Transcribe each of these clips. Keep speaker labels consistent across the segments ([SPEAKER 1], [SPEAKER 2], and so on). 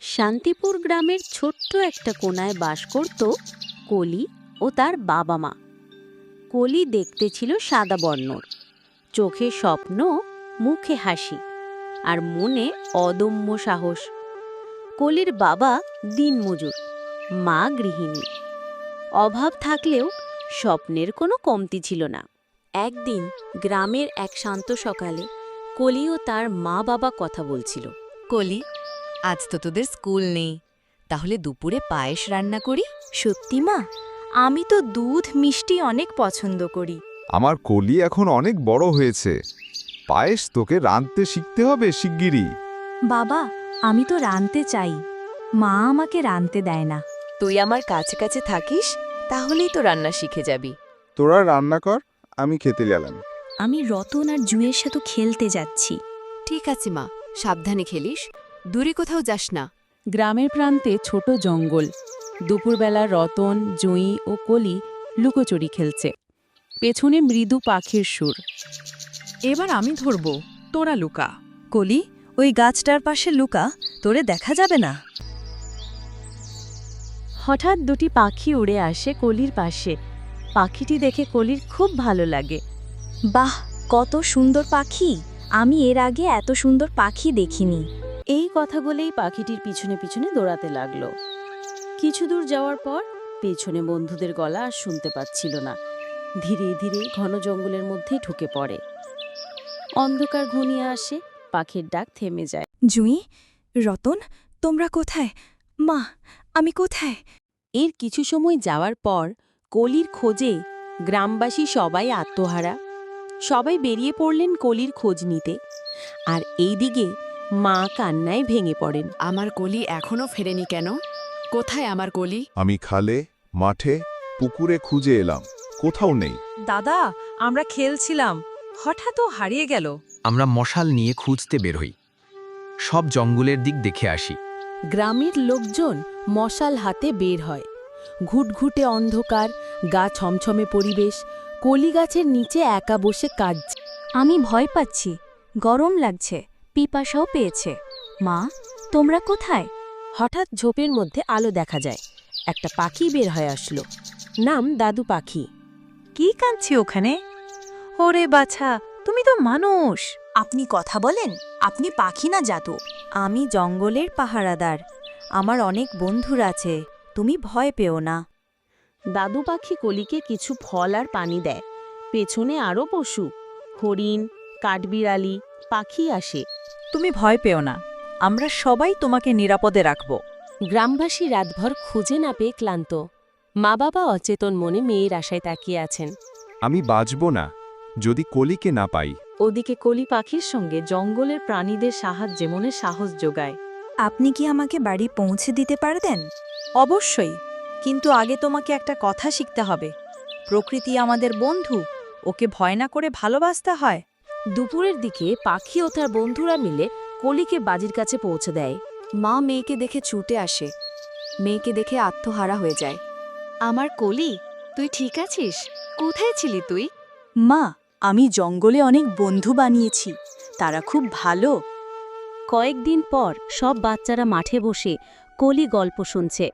[SPEAKER 1] শান্তিপুর গ্রামের ছোট্ট একটা কোণায় বাস করত কলি ও তার বাবা মা। কলি দেখতে ছিল সাদা বর্ণর, চোখে স্বপ্ন, মুখে হাসি আর মনে অদম্য সাহস। কলির বাবা দিনমজুর, মা গৃহিণী। অভাব থাকলেও স্বপ্নের কোনো কমতি ছিল না। একদিন গ্রামের এক শান্ত সকালে কলি ও তার মা বাবা কথা বলছিল।
[SPEAKER 2] কলি, আজ তো তোদের স্কুল নেই, তাহলে দুপুরে পায়েস রান্না করি।
[SPEAKER 3] সত্যি মা, আমি তো দুধ মিষ্টি অনেক পছন্দ করি।
[SPEAKER 4] আমার কলি এখন অনেক বড় হয়েছে, পায়েস তোকে রাঁধতে শিখতে হবে শিগগিরই।
[SPEAKER 3] বাবা, আমি তো রাঁধতে চাই, মা আমাকে রাঁধতে দেয় না।
[SPEAKER 2] তুই আমার কাছে কাছে থাকিস, তাহলেই তো রান্না শিখে যাবি।
[SPEAKER 5] তোরা রান্না কর, আমি খেতে গেলাম।
[SPEAKER 3] আমি রতন আর জুঁয়ের সাথে খেলতে যাচ্ছি।
[SPEAKER 2] ঠিক আছে মা, সাবধানে খেলিস, দূরে কোথাও যাস না।
[SPEAKER 6] গ্রামের প্রান্তে ছোট জঙ্গল। দুপুরবেলা রতন, জুঁই ও কলি লুকোচুরি খেলছে। পেছনে মৃদু পাখির সুর।
[SPEAKER 7] এবার আমি ধরব, তোরা লুকা।
[SPEAKER 3] কলি, ওই গাছটার পাশে লুকা, তোরে দেখা যাবে না।
[SPEAKER 1] হঠাৎ দুটি পাখি উড়ে আসে কলির পাশে। পাখিটি দেখে কলির খুব ভালো লাগে।
[SPEAKER 3] বাহ, কত সুন্দর পাখি! আমি এর আগে এত সুন্দর পাখি দেখিনি।
[SPEAKER 1] এই কথা বলেই পাখিটির পিছনে পিছনে দৌড়াতে লাগলো। কিছু দূর যাওয়ার পর পেছনে বন্ধুদের গলা আর শুনতে পাচ্ছিল না। ধীরে ধীরে ঘন জঙ্গলের মধ্যেই ঢুকে পড়ে। অন্ধকার ঘনিয়ে আসে, পাখির ডাক থেমে যায়।
[SPEAKER 3] জুঁই, রতন, তোমরা কোথায়? মা, আমি কোথায়?
[SPEAKER 1] এর কিছু সময় যাওয়ার পর কলির খোঁজে গ্রামবাসী সবাই আত্মহারা। সবাই বেরিয়ে পড়লেন কলির খোঁজ নিতে। আর এইদিকে মা কান্নায় ভেঙে পড়েন।
[SPEAKER 7] আমার কলি এখনো ফেরেনি কেন? কোথায় আমার কলি?
[SPEAKER 4] আমি খালে, মাঠে, পুকুরে খুঁজে এলাম, কোথাও নেই।
[SPEAKER 7] দাদা, আমরা খেলছিলাম, হঠাৎ ও হারিয়ে গেল।
[SPEAKER 8] আমরা মশাল নিয়ে খুঁজতে বের হই, সব জঙ্গলের দিক দেখে আসি।
[SPEAKER 1] গ্রামের লোকজন মশাল হাতে বের হয়। ঘুটঘুটে অন্ধকার, গা ছমছমে পরিবেশ। কলি গাছের নিচে একা বসে কাঁদছে।
[SPEAKER 3] আমি ভয় পাচ্ছি, গরম লাগছে, পিপাসাও পেয়েছে। মা, তোমরা কোথায়?
[SPEAKER 1] হঠাৎ ঝোপের মধ্যে আলো দেখা যায়। একটা পাখি বের হয়ে আসলো, নাম দাদু পাখি।
[SPEAKER 7] কি কাঁদছি ওখানে? ওরে বাছা, তুমি তো মানুষ।
[SPEAKER 3] আপনি কথা বলেন? আপনি পাখি না জাদু? আমি জঙ্গলের পাহারাদার, আমার অনেক বন্ধুরা আছে, তুমি ভয় পেও না।
[SPEAKER 1] দাদু পাখি কলিকে কিছু ফল আর পানি দেয়। পেছনে আরও পশু, হরিণ, কাঠবিড়ালি, পাখি আসে।
[SPEAKER 7] তুমি ভয় পেও না, আমরা সবাই তোমাকে নিরাপদে রাখব।
[SPEAKER 1] গ্রামবাসী রাতভর খুঁজে না পেয়ে ক্লান্ত। মা বাবা অচেতন মনে মেয়ের আশায় তাকিয়ে আছেন।
[SPEAKER 4] আমি বাঁচব না যদি কলিকে না পাই।
[SPEAKER 7] ওদিকে কলি পাখির সঙ্গে জঙ্গলের প্রাণীদের সাহায্যে মনে সাহস যোগায়।
[SPEAKER 3] আপনি কি আমাকে বাড়ি পৌঁছে দিতে পারতেন?
[SPEAKER 7] অবশ্যই, কিন্তু আগে তোমাকে একটা কথা শিখতে হবে। প্রকৃতি আমাদের বন্ধু, ওকে ভয় না করে ভালোবাসতে হয়।
[SPEAKER 1] দুপুরের দিকে পাখি ও তার বন্ধুরা মিলে কলিকে বাজির কাছে পৌঁছে দেয়।
[SPEAKER 2] মা মেয়েকে দেখে ছুটে আসে, মেয়েকে দেখে আত্মহারা হয়ে যায়।
[SPEAKER 1] আমার কলি, তুই ঠিক আছিস? কোথায় ছিলি তুই?
[SPEAKER 3] মা, আমি জঙ্গলে অনেক বন্ধু বানিয়েছি, তারা খুব ভালো।
[SPEAKER 1] কয়েকদিন পর সব বাচ্চারা মাঠে বসে কলি গল্প শুনছে।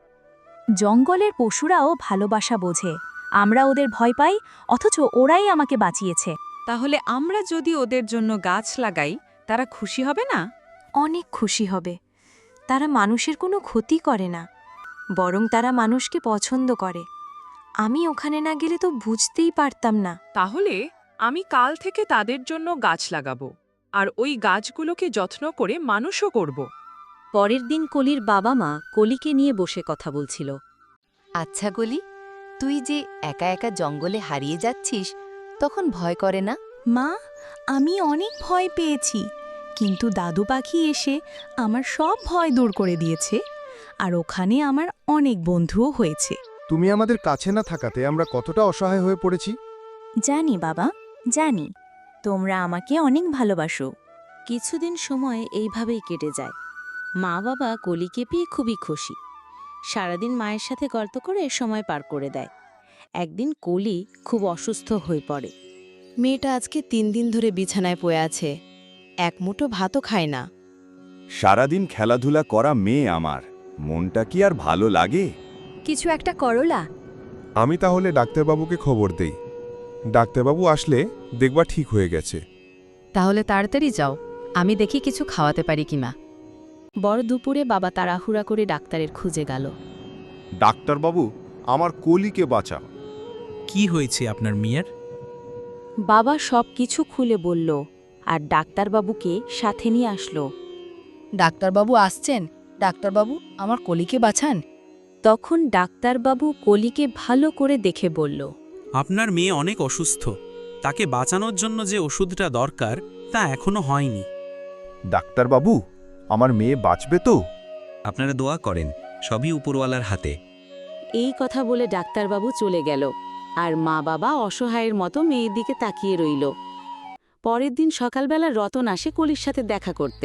[SPEAKER 3] জঙ্গলের পশুরাও ভালোবাসা বোঝে, আমরা ওদের ভয় পাই, অথচ ওরাই আমাকে বাঁচিয়েছে।
[SPEAKER 7] তাহলে আমরা যদি ওদের জন্য গাছ লাগাই, তারা খুশি হবে না?
[SPEAKER 3] অনেক খুশি হবে। তারা মানুষের কোনো ক্ষতি করে না, বরং তারা মানুষকে পছন্দ করে। আমি ওখানে না গেলে তো বুঝতেই পারতাম না।
[SPEAKER 7] তাহলে আমি কাল থেকে তাদের জন্য গাছ লাগাবো, আর ওই গাছগুলোকে যত্ন করে মানুষও করব।
[SPEAKER 1] পরের দিন কলির বাবা মা কলিকে নিয়ে বসে কথা বলছিল।
[SPEAKER 2] আচ্ছা কলি, তুই যে একা একা জঙ্গলে হারিয়ে যাচ্ছিস, তখন ভয় করে না?
[SPEAKER 3] মা, আমি অনেক ভয় পেয়েছি, কিন্তু দাদু পাখি এসে আমার সব ভয় দূর করে দিয়েছে, আর ওখানে আমার অনেক বন্ধুও হয়েছে।
[SPEAKER 5] তুমি আমাদের কাছে না থাকাতে আমরা কতটা অসহায় হয়ে পড়েছি।
[SPEAKER 3] জানি বাবা, জানি, তোমরা আমাকে অনেক ভালোবাসো।
[SPEAKER 1] কিছুদিন সময় এইভাবেই কেটে যায়। মা বাবা কলিকে পেয়ে খুবই খুশি। সারাদিন মায়ের সাথে গল্প করে সময় পার করে দেয়। একদিন কলি খুব অসুস্থ হয়ে পড়ে।
[SPEAKER 2] মেয়েটা আজকে 3 দিন ধরে বিছানায় পড়ে আছে, এক মুঠো ভাতও খায় না।
[SPEAKER 9] সারাদিন খেলাধুলা করা মেয়ে আমার, মনটা কি আর ভালো লাগে?
[SPEAKER 2] কিছু একটা করলা।
[SPEAKER 5] আমি তাহলে ডাক্তারবাবুকে খবর দেই। ডাক্তারবাবু আসলে দেখবা ঠিক হয়ে গেছে।
[SPEAKER 6] তাহলে তাড়াতাড়ি যাও, আমি দেখি কিছু খাওয়াতে পারি কিনা। বড় দুপুরে বাবা তাড়াহুড়া করে ডাক্তারের খুঁজে গেল।
[SPEAKER 5] ডাক্তারবাবু, আমার কলিকে বাঁচা।
[SPEAKER 10] কি হয়েছে আপনার মেয়ের?
[SPEAKER 1] বাবা সব কিছু খুলে বলল আর ডাক্তারবাবুকে সাথে নিয়ে আসলো।
[SPEAKER 2] ডাক্তারবাবু আসছেন। ডাক্তারবাবু, আমার কলিকে বাঁচান।
[SPEAKER 1] তখন ডাক্তারবাবু কলিকে ভালো করে দেখে বলল,
[SPEAKER 10] আপনার মেয়ে অনেক অসুস্থ, তাকে বাঁচানোর জন্য যে ওষুধটা দরকার তা এখনো হয়নি।
[SPEAKER 5] ডাক্তারবাবু, আমার মেয়ে বাঁচবে তো?
[SPEAKER 8] আপনারা দোয়া করেন, সবই উপরওয়ালার হাতে।
[SPEAKER 1] এই কথা বলে ডাক্তারবাবু চলে গেল আর মা বাবা অসহায়ের মতো মেয়ের দিকে তাকিয়ে রইল। পরের দিন সকালবেলা রতন আসে কলির সাথে দেখা করতে।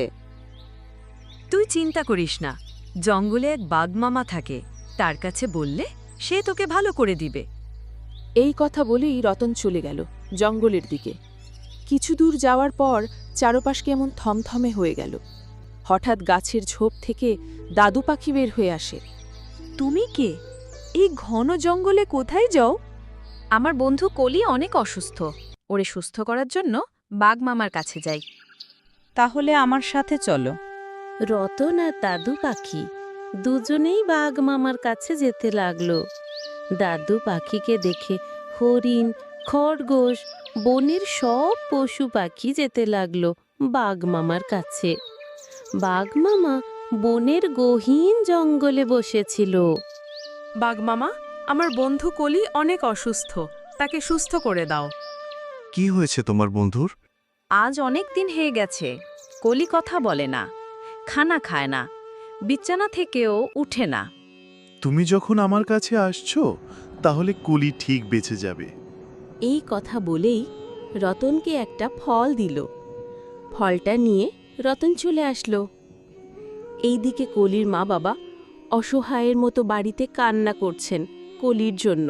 [SPEAKER 7] তুই চিন্তা করিস না, জঙ্গলে এক বাঘমামা থাকে, তার কাছে বললে সে তোকে ভালো করে দিবে।
[SPEAKER 6] এই কথা বলেই রতন চলে গেল জঙ্গলের দিকে। কিছু দূর যাওয়ার পর চারপাশ কেমন থমথমে হয়ে গেল। হঠাৎ গাছের ঝোপ থেকে দাদু পাখি বের হয়ে আসে।
[SPEAKER 7] তুমি কে? এই ঘন জঙ্গলে কোথায় যাও? আমার বন্ধু কলি অনেক অসুস্থ, ওরে সুস্থ করার জন্য বাঘমামার কাছে যাই। তাহলে আমার সাথে চলো।
[SPEAKER 1] রতন আর দাদু পাখি দুজনেই বাঘ মামার কাছে যেতে লাগলো। দাদু পাখিকে দেখে হরিণ, খরগোশ, বনের সব পশু পাখি যেতে লাগলো বাঘ মামার কাছে। বাঘ মামা বনের গহীন জঙ্গলে বসেছিল।
[SPEAKER 6] বাঘমামা, আমার বন্ধু কলি অনেক অসুস্থ, তাকে সুস্থ করে দাও।
[SPEAKER 5] কি হয়েছে তোমার বন্ধুর?
[SPEAKER 7] আজ অনেক দিন হয়ে গেছে, কলি কথা বলে না, খানা খায় না, বিছানা থেকেও উঠে না।
[SPEAKER 11] তুমি যখন আমার কাছে আসছো, তাহলে কলি ঠিক বেঁচে যাবে।
[SPEAKER 1] এই কথা বলেই রতনকে একটা ফল দিল। ফলটা নিয়ে রতন চলে আসলো। এইদিকে কলির মা বাবা অসহায়ের মতো বাড়িতে কান্না করছেন কলির জন্য।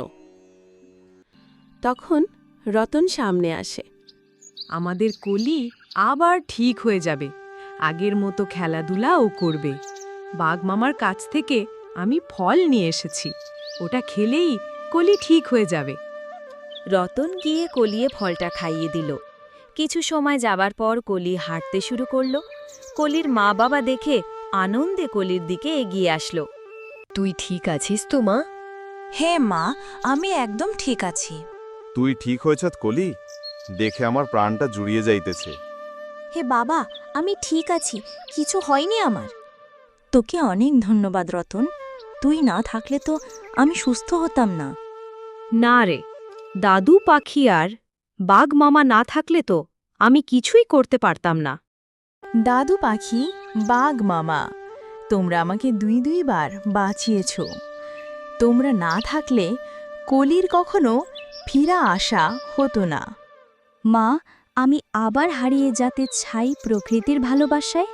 [SPEAKER 1] তখন রতন সামনে আসে।
[SPEAKER 7] আমাদের কলি আবার ঠিক হয়ে যাবে, আগের মতো খেলাধুলা ও করবে। বাঘমামার কাছ থেকে আমি ফল নিয়ে এসেছি, ওটা খেলেই কলি ঠিক হয়ে যাবে। রতন গিয়ে কলিয়ে ফলটা খাইয়ে দিল। কিছু সময় যাবার পর কলি হাঁটতে শুরু করল। কলির মা বাবা দেখে আনন্দে কলির দিকে এগিয়ে আসলো।
[SPEAKER 2] তুই ঠিক আছিস তো মা?
[SPEAKER 3] হ্যাঁ মা, আমি একদম ঠিক আছি।
[SPEAKER 5] তুই ঠিক হয়েছ কলি? দেখে আমার প্রাণটা জুড়িয়ে যাইতেছে।
[SPEAKER 3] হে বাবা, আমি ঠিক আছি, কিছু হয়নি আমার। তোকে অনেক ধন্যবাদ রতন, তুই না থাকলে তো আমি সুস্থ হতাম না।
[SPEAKER 7] না রে, দাদু পাখি আর বাঘ মামা না থাকলে তো আমি কিছুই করতে পারতাম না।
[SPEAKER 3] দাদু পাখি, বাঘ মামা, তোমরা আমাকে দুইবার বাঁচিয়েছ। তোমরা না থাকলে কলির কখনো ফিরা আসা হতো না। মা, আমি আবার হারিয়ে যেতে চাই প্রকৃতির ভালোবাসায়।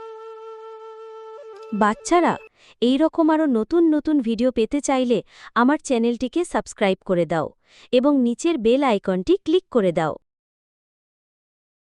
[SPEAKER 1] বাচ্চারা, এই রকম আরও নতুন নতুন ভিডিও পেতে চাইলে আমার চ্যানেলটিকে সাবস্ক্রাইব করে দাও এবং নিচের বেল আইকনটি ক্লিক করে দাও।